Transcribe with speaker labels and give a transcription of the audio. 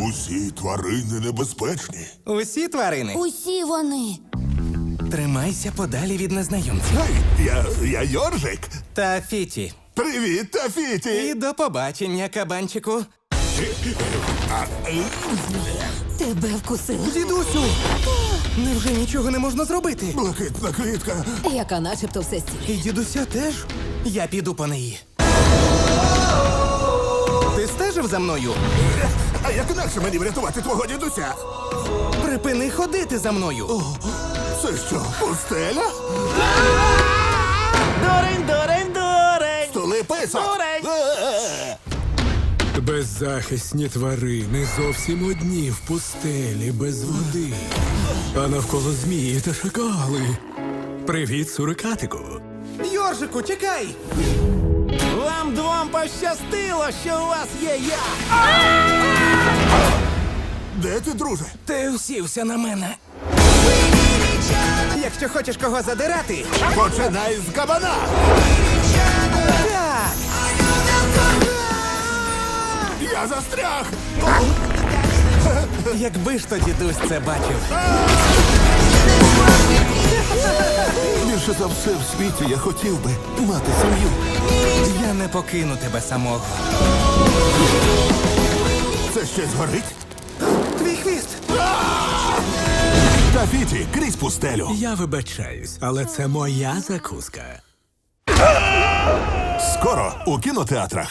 Speaker 1: Усі тварини небезпечні.
Speaker 2: Усі тварини.
Speaker 3: Усі вони.
Speaker 2: Тримайся подалі від незнайомців.
Speaker 1: Гей, я Йоржик.
Speaker 2: Та Фіті.
Speaker 1: Привіт, Тафіті.
Speaker 2: І до побачення, кабанчику.
Speaker 3: Тебе вкусили.
Speaker 2: Дідусю! Невже нічого не можна зробити?
Speaker 1: Блакитна квітка.
Speaker 3: Яка начебто все стіль.
Speaker 2: І дідуся теж? Я піду по неї. Ти стежив за мною?
Speaker 1: А як інакше мені врятувати твого дідуся?
Speaker 2: Припини ходити за мною.
Speaker 1: Це що, пустеля?
Speaker 2: Дурень!
Speaker 1: Стули писок.
Speaker 2: Дурень!
Speaker 4: Беззахисні тварини зовсім одні в пустелі без води. А навколо змії та шакали. Привіт, сурикатику.
Speaker 2: Йоржику, чекай! Вам двом пощастило, що у вас є я!
Speaker 1: Де ти, друже?
Speaker 2: Ти усівся на мене. Якщо хочеш кого задирати,
Speaker 1: Починай з кабана.
Speaker 2: так!
Speaker 1: Я застряг.
Speaker 2: Якби ж то дідусь це бачив.
Speaker 1: Більше за все в світі я хотів би мати сім'ю.
Speaker 2: Я не покину тебе самого.
Speaker 1: Це ще згорить?
Speaker 2: Твій хвіст!
Speaker 1: Тафіті, крізь пустелю.
Speaker 4: Я вибачаюсь, але це моя закуска.
Speaker 1: Скоро у кінотеатрах.